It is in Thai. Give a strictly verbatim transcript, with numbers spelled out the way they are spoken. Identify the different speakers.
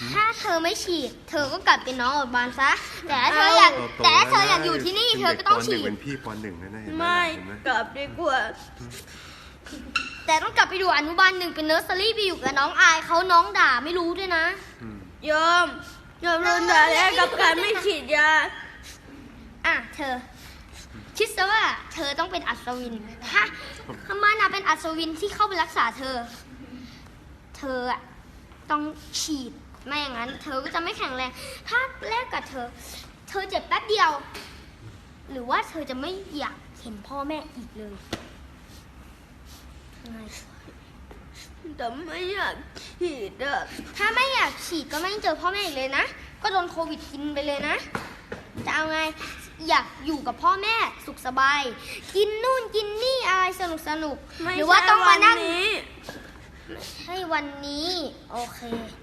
Speaker 1: ถ้าเธอไม่ฉีดเธอก็กลับเป็นน้องอดบานซะแต่ถ้าเธออยากแต่ถ้าเธออยากอยู่ที่นี่เธอก็ต้องฉีด
Speaker 2: เป็นพี่ปหนึ่งนะเห็นไหม
Speaker 3: ไม่กลับดีกว่า
Speaker 1: แต่ต้องกลับไปดูอนุบาลหนึ่งเป็นเนอร์เซอรี่ไปอยู่กับน้องอายเขาน้องด่าไม่รู้ด้วยนะ
Speaker 3: ยอมยอมโดนด่าแล้วกับการไม่ฉีดยา
Speaker 1: อ่ะเธอ คิดซะว่าเธอต้องเป็นอัศวินถ้าถ้ามันนะเป็นอัศวินที่เข้าไปรักษาเธอ เธออะต้องฉีดไม่อย่างนั้น เธอก็จะไม่แข็งแรงถ้าแลกกับเธอ เธอเจ็บแป๊บเดียว หรือว่าเธอจะไม่อยากเห็นพ่อแม่อีกเลยไง
Speaker 3: แต่ไม่อยากฉีดอะ
Speaker 1: ถ้าไม่อยากฉีดก็ไม่ต้องเจอพ่อแม่อีกเลยนะก็โดนโควิดกินไปเลยนะจะเอาไงอยากอยู่กับพ่อแม่สุขสบาย กินนู่นกินนี่อะไรสนุกสนุกหรือว่าต้องมานั่ง
Speaker 3: นี้
Speaker 1: ให้วันนี้โอเค